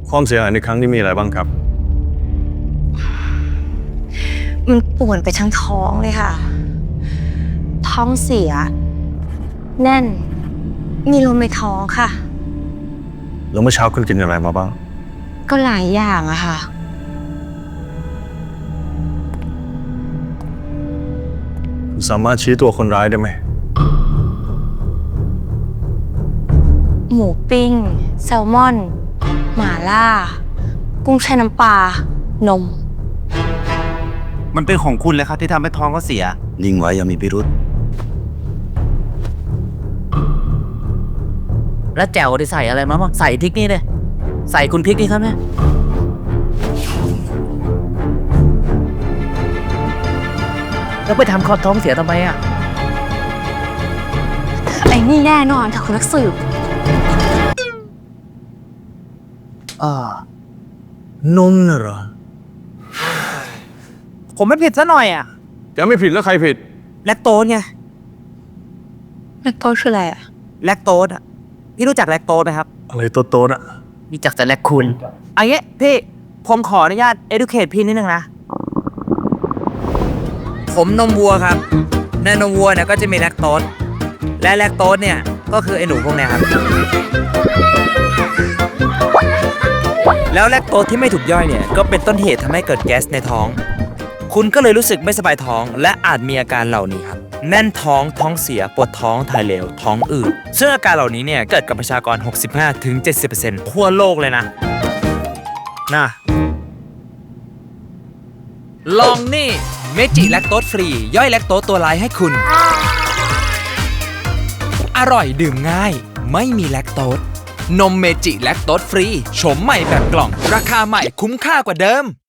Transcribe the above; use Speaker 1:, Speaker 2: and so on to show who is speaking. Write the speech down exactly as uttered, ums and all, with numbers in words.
Speaker 1: ความเสียหายในครั้งนี้มีอะไรบ้างครับ
Speaker 2: มันป่วนไปทั้งท้องเลยค่ะ ท้องเสีย แน่น มีลมในท้องค่ะ
Speaker 1: แล้วเมื่อเช้าคุณกินอะไรมาบ้าง
Speaker 2: ก็หลายอย่างอะค่ะ
Speaker 1: คุณสามารถชี้ตัวคนร้ายได้ไหม
Speaker 2: หมูปิ้ง แซลมอน หม่าล่า กุ้งแช่น้ำปลา นม
Speaker 3: มันเป็นของคุณเลยครับที่ทำให้ท้องเขาเสียนิ่งไว้อย่ามีพิรุษ
Speaker 4: แล้วแจ่วได้ใส่อะไรมาบ้างใส่พริกนี่เลยใส่คุณพริกนี่ครับเนี่ยแล้วไปทำคอท้องเสียทำไมอ่ะ
Speaker 2: ไอ้นี่แน่นอนค่ะคุณนักสืบ
Speaker 4: อ่าน
Speaker 1: มน่ะเหรอ
Speaker 4: ผมไม่ผิดซะหน่อยอ่ะ
Speaker 1: จะไม่ผิดแล้วใครผิด
Speaker 4: แลคโตสไง
Speaker 2: แลคโตสคืออะไรอะ
Speaker 4: แลคโตสอ่ะพี่รู้จักแลคโตสไหมครับ
Speaker 1: อะไรโตๆน่ะ
Speaker 4: รู้จักแต่แลคคูนอันนี้พี่ผมขออนุญาต educate พี่นิดนึงนะ ผมนมวัวครับในนมวัวเนี่ยก็จะมีแลคโตสและแลคโตสเนี่ยก็คือไอ้หนูพวกเนี้ยครับ แล้วแลคโตสที่ไม่ถูกย่อยเนี่ยก็เป็นต้นเหตุทำให้เกิดแก๊สในท้อง คุณก็เลยรู้สึกไม่สบายท้อง และอาจมีอาการเหล่านี้ครับแน่นท้องท้องเสียปวดท้องถ่ายเหลวท้องอืดซึ่งอาการเหล่านี้เนี่ยเกิดกับประชากร หกสิบห้าถึงเจ็ดสิบเปอร์เซ็นต์ ทั่วโลกเลยนะนะลองนี่เมจิแลคโตสฟรีย่อยแลคโตสตัวร้ายให้คุณ อร่อยดื่มง่ายไม่มีแลคโตสนมเมจิแลคโตสฟรีโฉมใหม่แบบกล่องราคาใหม่คุ้มค่ากว่าเดิม